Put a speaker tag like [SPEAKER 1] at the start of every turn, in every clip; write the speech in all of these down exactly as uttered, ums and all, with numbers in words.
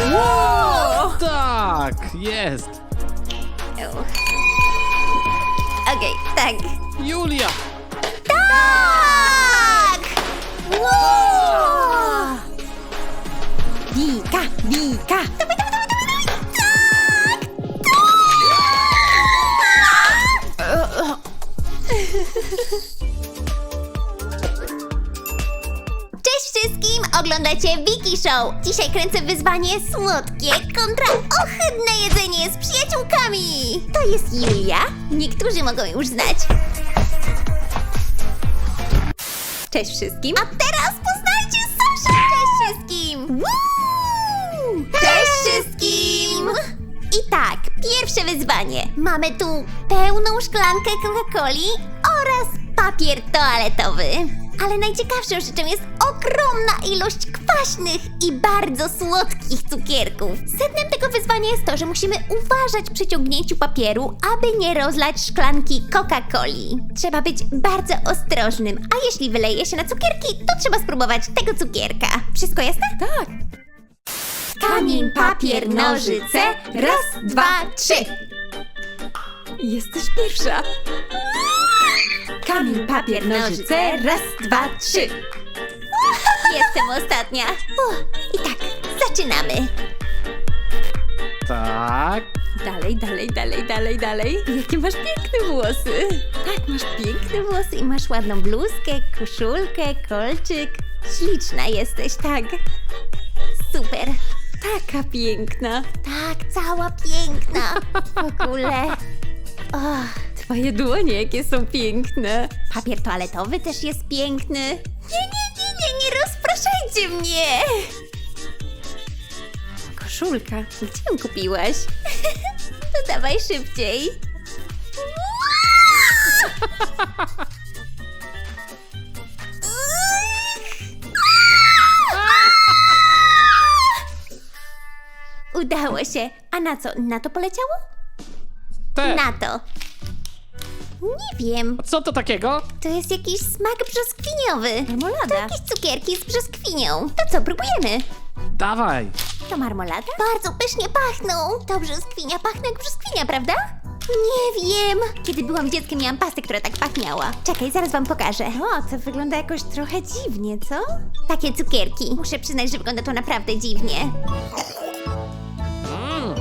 [SPEAKER 1] Wow!
[SPEAKER 2] Tak, jest.
[SPEAKER 1] Okej, tak.
[SPEAKER 2] Julia!
[SPEAKER 1] Tak! Wow! Wika, Wika! Dawaj, dawaj, dawaj, dawaj, dawaj! Cześć wszystkim! Oglądacie Wiki Show! Dzisiaj kręcę wyzwanie słodkie kontra ohydne jedzenie z przyjaciółkami! To jest Julia. Niektórzy mogą już znać. Cześć wszystkim! A teraz poznajcie Saszę! Cześć wszystkim! Woo! Cześć wszystkim! I tak, pierwsze wyzwanie. Mamy tu pełną szklankę Coca-Coli oraz papier toaletowy. Ale najciekawszą rzeczą jest ogromna ilość kwaśnych i bardzo słodkich cukierków. Sednem tego wyzwania jest to, że musimy uważać przy ciągnięciu papieru, aby nie rozlać szklanki Coca-Coli. Trzeba być bardzo ostrożnym, a jeśli wyleje się na cukierki, to trzeba spróbować tego cukierka. Wszystko jasne? Tak. Kamień, papier, nożyce. Raz, dwa, trzy.
[SPEAKER 3] Jesteś pierwsza. Kamień, papier, nożyce. Raz, dwa, trzy.
[SPEAKER 1] Jestem ostatnia. Uff, I tak, zaczynamy.
[SPEAKER 2] Tak.
[SPEAKER 3] Dalej, dalej, dalej, dalej, dalej. Jakie masz piękne włosy.
[SPEAKER 1] Tak, masz piękne włosy i masz ładną bluzkę, koszulkę, kolczyk. Śliczna jesteś, tak. Super.
[SPEAKER 3] Taka piękna.
[SPEAKER 1] Tak, cała piękna. W ogóle. Och,
[SPEAKER 3] Twoje dłonie jakie są piękne.
[SPEAKER 1] papier toaletowy też jest piękny. Nie, nie, nie, nie, nie rozpraszajcie mnie.
[SPEAKER 3] Koszulka. Gdzie ją kupiłaś?
[SPEAKER 1] To dawaj szybciej. Udało się. A na co? Na to poleciało?
[SPEAKER 2] Te.
[SPEAKER 1] Na to. Nie wiem.
[SPEAKER 2] Co to takiego?
[SPEAKER 1] To jest jakiś smak brzoskwiniowy.
[SPEAKER 3] Marmolada.
[SPEAKER 1] To jakieś cukierki z brzoskwinią. To co, próbujemy?
[SPEAKER 2] Dawaj.
[SPEAKER 1] To marmolada? Bardzo pysznie pachną. To brzoskwinia pachnie jak brzoskwinia, prawda? Nie wiem. Kiedy byłam dzieckiem, miałam pastę, która tak pachniała. Czekaj, zaraz wam pokażę.
[SPEAKER 3] O, to wygląda jakoś trochę dziwnie, co?
[SPEAKER 1] Takie cukierki. Muszę przyznać, że wygląda to naprawdę dziwnie.
[SPEAKER 2] Mm.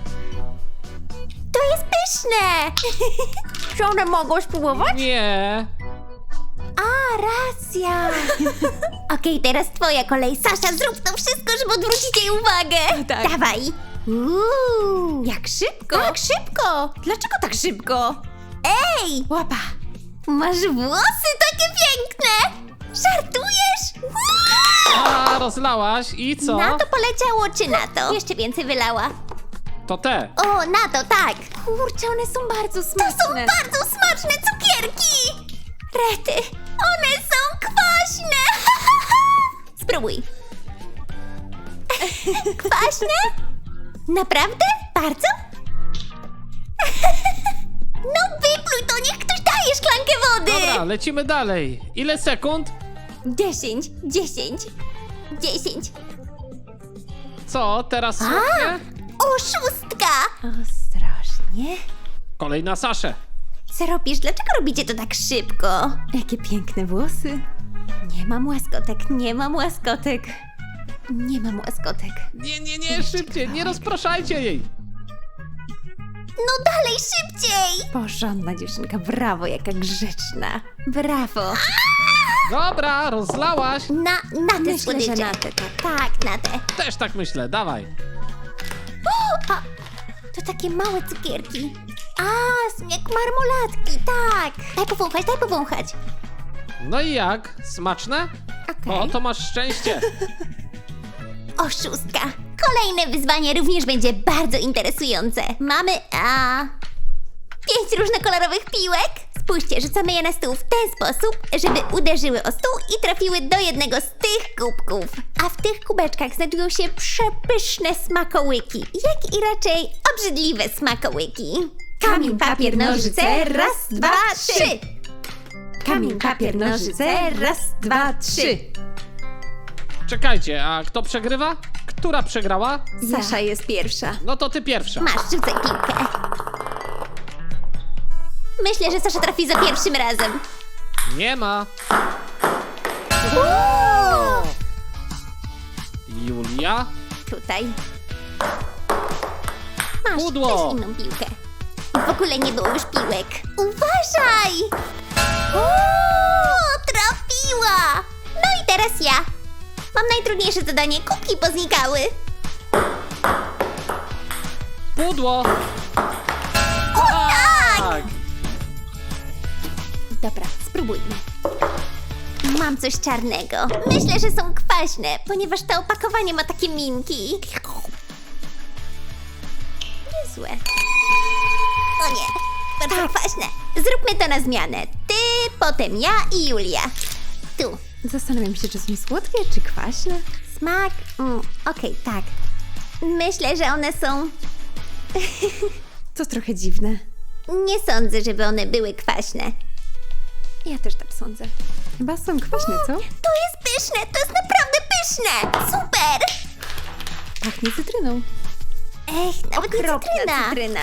[SPEAKER 1] To jest pyszne!
[SPEAKER 3] Czy one mogą spróbować?
[SPEAKER 2] Nie.
[SPEAKER 1] A, racja. Okej, teraz twoja kolej. Sasza, zrób to wszystko, żeby odwrócić jej uwagę.
[SPEAKER 3] Tak.
[SPEAKER 1] Dawaj. Uuu.
[SPEAKER 3] Jak szybko?
[SPEAKER 1] Tak szybko.
[SPEAKER 3] Dlaczego tak szybko?
[SPEAKER 1] Ej,
[SPEAKER 3] Łapa.
[SPEAKER 1] masz włosy takie piękne. Żartujesz? Uuu.
[SPEAKER 2] A, rozlałaś i co?
[SPEAKER 1] Na to poleciało, czy na to? Jeszcze więcej wylała.
[SPEAKER 2] To te.
[SPEAKER 1] O, na to, tak.
[SPEAKER 3] Kurczę, one są bardzo
[SPEAKER 1] To są
[SPEAKER 3] smaczne.
[SPEAKER 1] bardzo smaczne cukierki. Rety, one są kwaśne. Spróbuj. Kwaśne? Naprawdę? Bardzo? No wypluj to, niech ktoś daje szklankę wody.
[SPEAKER 2] Dobra, lecimy dalej. Ile sekund?
[SPEAKER 1] Dziesięć, dziesięć, dziesięć.
[SPEAKER 2] Co, teraz słodkie?
[SPEAKER 1] Oszustka!
[SPEAKER 3] Ostrożnie.
[SPEAKER 2] Kolej na Saszę.
[SPEAKER 1] Co robisz? Dlaczego robicie to tak szybko?
[SPEAKER 3] Jakie piękne włosy.
[SPEAKER 1] Nie mam łaskotek, nie mam łaskotek. Nie mam łaskotek.
[SPEAKER 2] Nie, nie, nie, szybciej, nie rozpraszajcie jej.
[SPEAKER 1] No dalej, szybciej!
[SPEAKER 3] Porządna dziewczynka, brawo, jaka grzeczna.
[SPEAKER 1] Brawo!
[SPEAKER 2] Dobra, rozlałaś.
[SPEAKER 1] Na, na te
[SPEAKER 3] Myślę, że
[SPEAKER 1] słodycze.
[SPEAKER 3] na te, tak.
[SPEAKER 1] Tak, na te.
[SPEAKER 2] Też tak myślę, dawaj.
[SPEAKER 1] O, a, to takie małe cukierki. A, są jak marmolatki, tak. Daj powąchać, daj powąchać.
[SPEAKER 2] No i jak? Smaczne?
[SPEAKER 1] Okej.
[SPEAKER 2] O, to masz szczęście.
[SPEAKER 1] Oszustka. Kolejne wyzwanie również będzie bardzo interesujące. Mamy, a... pięć różnokolorowych piłek. Spójrzcie, rzucamy je na stół w ten sposób, żeby uderzyły o stół i trafiły do jednego z tych kubków. A w tych kubeczkach znajdują się przepyszne smakołyki, jak i raczej obrzydliwe smakołyki. Kamień, papier, nożyce, raz, dwa, trzy.
[SPEAKER 3] Kamień, papier, nożyce. Raz, dwa, trzy.
[SPEAKER 2] Czekajcie, a kto przegrywa? Która przegrała?
[SPEAKER 3] Sasza jest pierwsza.
[SPEAKER 2] No to ty pierwsza.
[SPEAKER 1] Masz, rzucaj piłkę. Myślę, że Sasza trafi za pierwszym razem.
[SPEAKER 2] Nie ma.
[SPEAKER 1] Uuu!
[SPEAKER 2] Julia?
[SPEAKER 1] Tutaj. Masz
[SPEAKER 2] Pudło.
[SPEAKER 1] też inną piłkę. W ogóle nie było już piłek. Uważaj! Uuu, trafiła! No i teraz ja. Mam najtrudniejsze zadanie. Kubki poznikały.
[SPEAKER 2] Pudło!
[SPEAKER 1] O tak!
[SPEAKER 2] Tak!
[SPEAKER 1] Dobra, spróbujmy. Mam coś czarnego. Myślę, że są kwaśne, ponieważ to opakowanie ma takie minki. Niezłe. O nie, bardzo kwaśne. Zróbmy to na zmianę. Ty, potem ja i Julia. Tu.
[SPEAKER 3] Zastanawiam się, czy są słodkie, czy kwaśne.
[SPEAKER 1] Smak. Mm, Okej, tak. Myślę, że one są...
[SPEAKER 3] To trochę dziwne.
[SPEAKER 1] Nie sądzę, żeby one były kwaśne.
[SPEAKER 3] Ja też tak sądzę. Chyba są kwaśne, co?
[SPEAKER 1] To jest pyszne, to jest naprawdę pyszne. Super.
[SPEAKER 3] Pachnie cytryną.
[SPEAKER 1] Ech, nawet nie
[SPEAKER 3] Okropna
[SPEAKER 1] cytryna.
[SPEAKER 3] cytryna.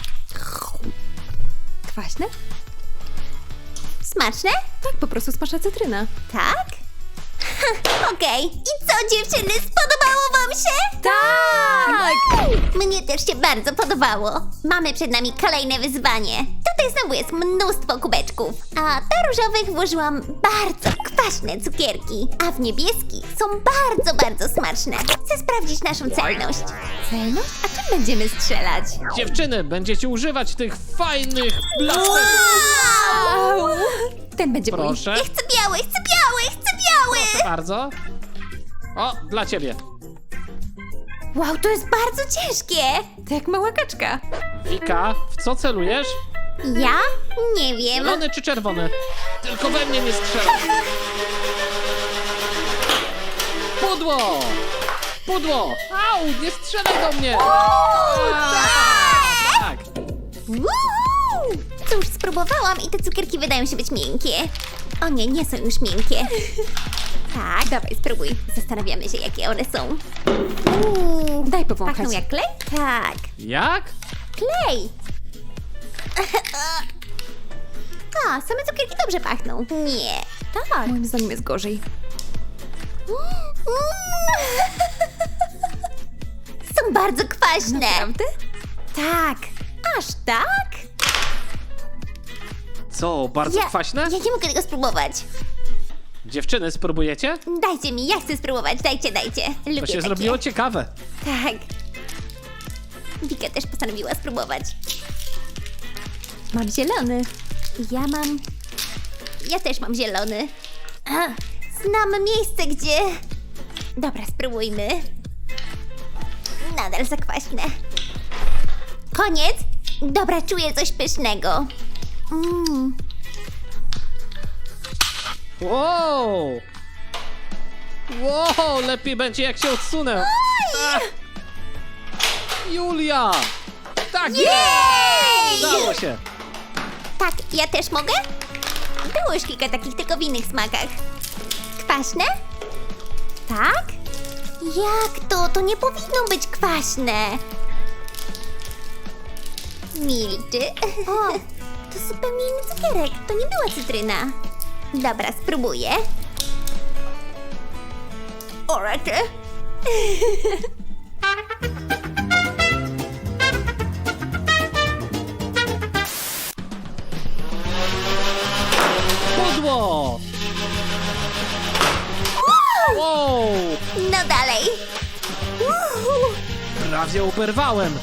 [SPEAKER 3] Kwaśne?
[SPEAKER 1] Smaczne?
[SPEAKER 3] Tak, po prostu smaczna cytryna.
[SPEAKER 1] Tak? Okej. I co, dziewczyny, spodobało wam się?
[SPEAKER 3] Tak!
[SPEAKER 1] Mnie też się bardzo podobało. Mamy przed nami kolejne wyzwanie. Tutaj znowu jest mnóstwo kubeczków. A do różowych włożyłam bardzo kwaśne cukierki. A w niebieskich są bardzo, bardzo smaczne. Chcę sprawdzić naszą celność.
[SPEAKER 3] Celność? A czym będziemy strzelać?
[SPEAKER 2] Dziewczyny, będziecie używać tych fajnych blasterów.
[SPEAKER 1] Wow!
[SPEAKER 3] Ten będzie mój.
[SPEAKER 2] Proszę.
[SPEAKER 1] Ja chcę biały, chcę biały, chcę biały!
[SPEAKER 2] Proszę bardzo. O, dla ciebie.
[SPEAKER 1] Wow, to jest bardzo ciężkie.
[SPEAKER 3] To jak mała kaczka.
[SPEAKER 2] Wika, w co celujesz?
[SPEAKER 1] Ja? Nie wiem.
[SPEAKER 2] Zielony czy czerwony? Tylko we mnie nie strzelaj. Pudło! Pudło! Au, nie strzelaj do mnie! A, tak!
[SPEAKER 1] Woohoo! Cóż, spróbowałam i te cukierki wydają się być miękkie. O nie, nie są już miękkie. Tak, dawaj, spróbuj. Zastanawiamy się, jakie one są. Uuu,
[SPEAKER 3] Daj powąchać.
[SPEAKER 1] pachną jak klej? Tak,
[SPEAKER 2] Jak?
[SPEAKER 1] klej. A, same cukierki dobrze pachną. Nie, tak.
[SPEAKER 3] Moim zdaniem jest gorzej.
[SPEAKER 1] Są bardzo kwaśne.
[SPEAKER 3] Naprawdę?
[SPEAKER 1] Tak. Aż tak?
[SPEAKER 2] Co, bardzo
[SPEAKER 1] Ja,
[SPEAKER 2] kwaśne?
[SPEAKER 1] ja nie mogę tego spróbować.
[SPEAKER 2] Dziewczyny, spróbujecie?
[SPEAKER 1] Dajcie mi, ja chcę spróbować. Dajcie, dajcie. Lubię
[SPEAKER 2] To się
[SPEAKER 1] takie.
[SPEAKER 2] zrobiło ciekawe.
[SPEAKER 1] Tak. Wika też postanowiła spróbować.
[SPEAKER 3] Mam zielony.
[SPEAKER 1] Ja mam... Ja też mam zielony. A, znam miejsce, gdzie... Dobra, spróbujmy. Nadal za kwaśne. Koniec? Dobra, czuję coś pysznego. Mm.
[SPEAKER 2] Wow! Wow, lepiej będzie jak się odsunę. A! Julia! Tak jest!
[SPEAKER 1] Jej!
[SPEAKER 2] Udało się!
[SPEAKER 1] Tak, ja też mogę? Było już kilka takich, tylko w innych smakach. Kwaśne? Tak? Jak to? To nie powinno być kwaśne. Milczy. O, to zupełnie inny cukierek. To nie była cytryna. Dobra, spróbuję. O, rety.
[SPEAKER 2] Pudło! Wow!
[SPEAKER 1] No dalej. Uhu.
[SPEAKER 2] Prawie uberwałem.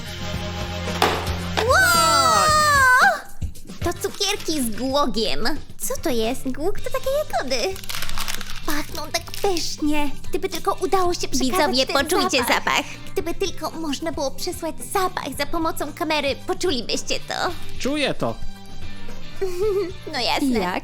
[SPEAKER 1] Wow! To cukierki z głogiem. Co to jest? Głóg to takie jagody. Pachną tak pysznie. Gdyby tylko udało się przekazać
[SPEAKER 4] Widzowie,
[SPEAKER 1] ten
[SPEAKER 4] poczujcie
[SPEAKER 1] zapach.
[SPEAKER 4] zapach.
[SPEAKER 1] Gdyby tylko można było przesłać zapach za pomocą kamery, poczulibyście to.
[SPEAKER 2] Czuję to.
[SPEAKER 1] No jasne.
[SPEAKER 3] I jak?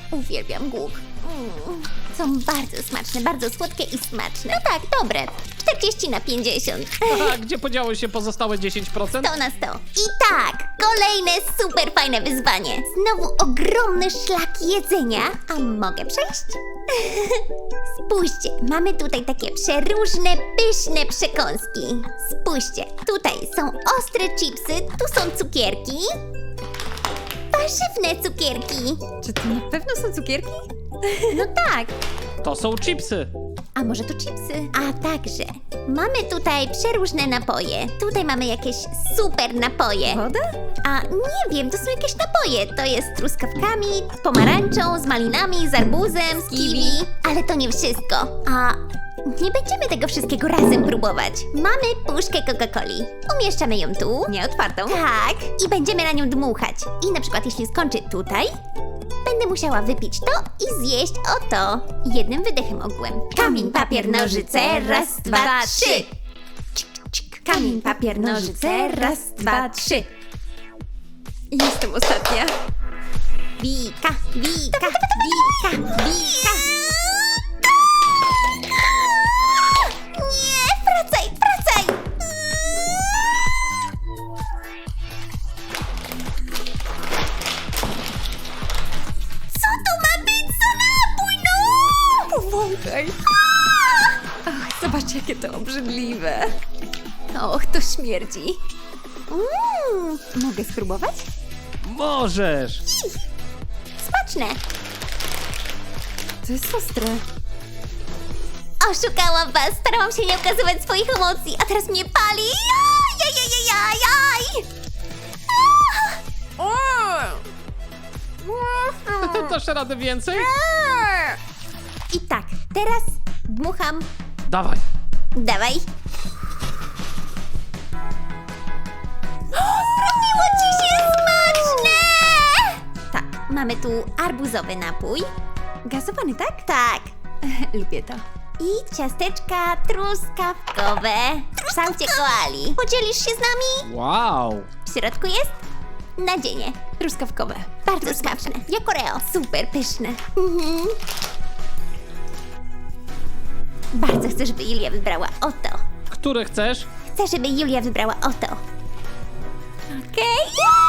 [SPEAKER 1] Uwielbiam głóg. Mm. Są bardzo smaczne, bardzo słodkie i smaczne. No tak, dobre. cztery czterdzieści na pięćdziesiąt.
[SPEAKER 2] A gdzie podziało się pozostałe dziesięć procent?
[SPEAKER 1] sto na sto. I tak, kolejne super fajne wyzwanie. Znowu ogromny szlak jedzenia. A mogę przejść? Spójrzcie, mamy tutaj takie przeróżne, pyszne przekąski. Spójrzcie, tutaj są ostre chipsy, tu są cukierki. Warzywne cukierki.
[SPEAKER 3] Czy to na pewno są cukierki?
[SPEAKER 1] No tak.
[SPEAKER 2] To są chipsy.
[SPEAKER 1] A może to chipsy? A także mamy tutaj przeróżne napoje. Tutaj mamy jakieś super napoje.
[SPEAKER 3] Woda?
[SPEAKER 1] A nie wiem, to są jakieś napoje. To jest z truskawkami, z pomarańczą, z malinami, z arbuzem, z kiwi. Ale to nie wszystko. A nie będziemy tego wszystkiego razem próbować. Mamy puszkę Coca-Coli. Umieszczamy ją tu.
[SPEAKER 3] Nieotwartą.
[SPEAKER 1] Tak. I będziemy na nią dmuchać. I na przykład jeśli skończy tutaj, będę musiała wypić to i zjeść o to. Jednym wydechem ogółem. Kamień, papier, nożyce, raz, dwa, trzy. Cik, cik. Kamień, papier, nożyce, raz, dwa, trzy.
[SPEAKER 3] Jestem ostatnia.
[SPEAKER 1] Wika, wika, wika, wika. Nie, wracaj, wracaj. Co to ma być za napój, no?
[SPEAKER 3] Powąchaj. Ach, zobaczcie, jakie to obrzydliwe. Och, to śmierdzi.
[SPEAKER 1] Mm,
[SPEAKER 3] Mogę spróbować?
[SPEAKER 2] Możesz.
[SPEAKER 1] smaczne.
[SPEAKER 3] To jest ostre.
[SPEAKER 1] Oszukałam was, starałam się nie okazywać swoich emocji, a teraz mnie pali. Jaj,
[SPEAKER 2] Dasz radę więcej?
[SPEAKER 1] I tak, teraz dmucham.
[SPEAKER 2] Dawaj.
[SPEAKER 1] Dawaj. Robiło ci się smaczne! Tak, mamy tu arbuzowy napój.
[SPEAKER 3] Gazowany, tak?
[SPEAKER 1] Tak.
[SPEAKER 3] Lubię to.
[SPEAKER 1] I ciasteczka truskawkowe. W kształcie koali. Podzielisz się z nami?
[SPEAKER 2] Wow.
[SPEAKER 1] W środku jest nadzienie.
[SPEAKER 3] Truskawkowe.
[SPEAKER 1] Bardzo smaczne. Jak Oreo.
[SPEAKER 3] Super pyszne.
[SPEAKER 1] Mhm. Bardzo chcę, żeby Julia wybrała oto.
[SPEAKER 2] Które chcesz?
[SPEAKER 1] Chcę, żeby Julia wybrała oto. Okej?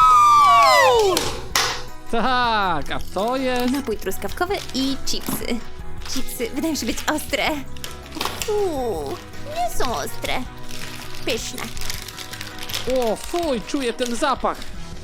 [SPEAKER 2] Tak, a to jest...
[SPEAKER 3] Napój truskawkowy i chipsy. Chipsy wydają się być ostre.
[SPEAKER 1] Uuu, nie są ostre. Pyszne.
[SPEAKER 2] O, fuj, czuję ten zapach.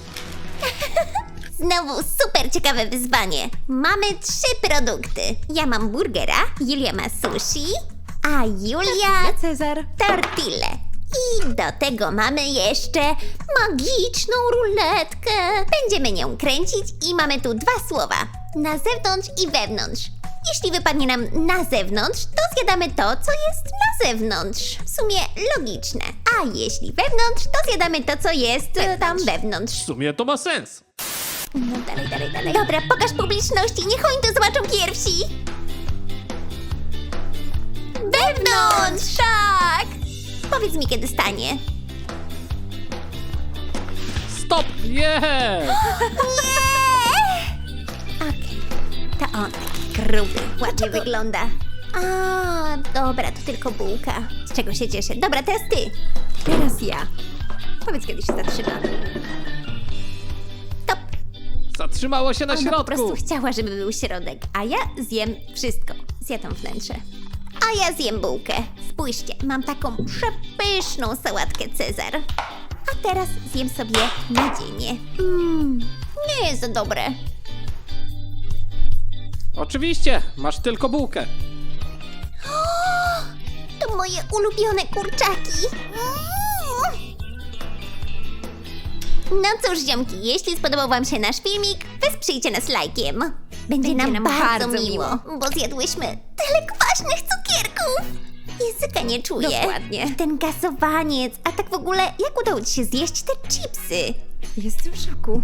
[SPEAKER 1] Znowu super ciekawe wyzwanie. Mamy trzy produkty. Ja mam burgera, Julia ma sushi, a Julia
[SPEAKER 3] Cezar.
[SPEAKER 1] tortille. I do tego mamy jeszcze magiczną ruletkę. Będziemy nią kręcić i mamy tu dwa słowa. Na zewnątrz i wewnątrz. Jeśli wypadnie nam na zewnątrz, to zjadamy to, co jest na zewnątrz. W sumie logiczne. A jeśli wewnątrz, to zjadamy to, co jest e, tam wewnątrz.
[SPEAKER 2] W sumie to ma sens.
[SPEAKER 1] No dalej, dalej, dalej. Dobra, pokaż publiczności, niech oni to zobaczą pierwsi. Wewnątrz! Tak! Powiedz mi, kiedy stanie.
[SPEAKER 2] Stop! Jest!
[SPEAKER 1] Nie! Okej, to on taki gruby, ładnie wygląda. A, dobra, to tylko bułka. Z czego się cieszę. Dobra, teraz ty.
[SPEAKER 3] Teraz ja. Powiedz, kiedy się zatrzyma.
[SPEAKER 1] Top.
[SPEAKER 2] Zatrzymało się na
[SPEAKER 1] Ona po
[SPEAKER 2] środku.
[SPEAKER 1] prostu chciała, żeby był środek, a ja zjem wszystko. Zjadam wnętrze. A ja zjem bułkę. Spójrzcie, mam taką przepyszną sałatkę Cezar. A teraz zjem sobie nadzienie. Mmm, nie jest to dobre.
[SPEAKER 2] Oczywiście, masz tylko bułkę.
[SPEAKER 1] To moje ulubione kurczaki. Mm. No cóż, ziomki, jeśli spodobał wam się nasz filmik, wesprzyjcie nas lajkiem. Będzie,
[SPEAKER 3] Będzie
[SPEAKER 1] nam,
[SPEAKER 3] nam
[SPEAKER 1] bardzo,
[SPEAKER 3] bardzo
[SPEAKER 1] miło,
[SPEAKER 3] miło.
[SPEAKER 1] bo zjadłyśmy tyle kwaśnych cukierków. Języka nie czuję.
[SPEAKER 3] Dokładnie.
[SPEAKER 1] I ten gazowaniec, a tak w ogóle, jak udało ci się zjeść te chipsy?
[SPEAKER 3] Jestem w szoku.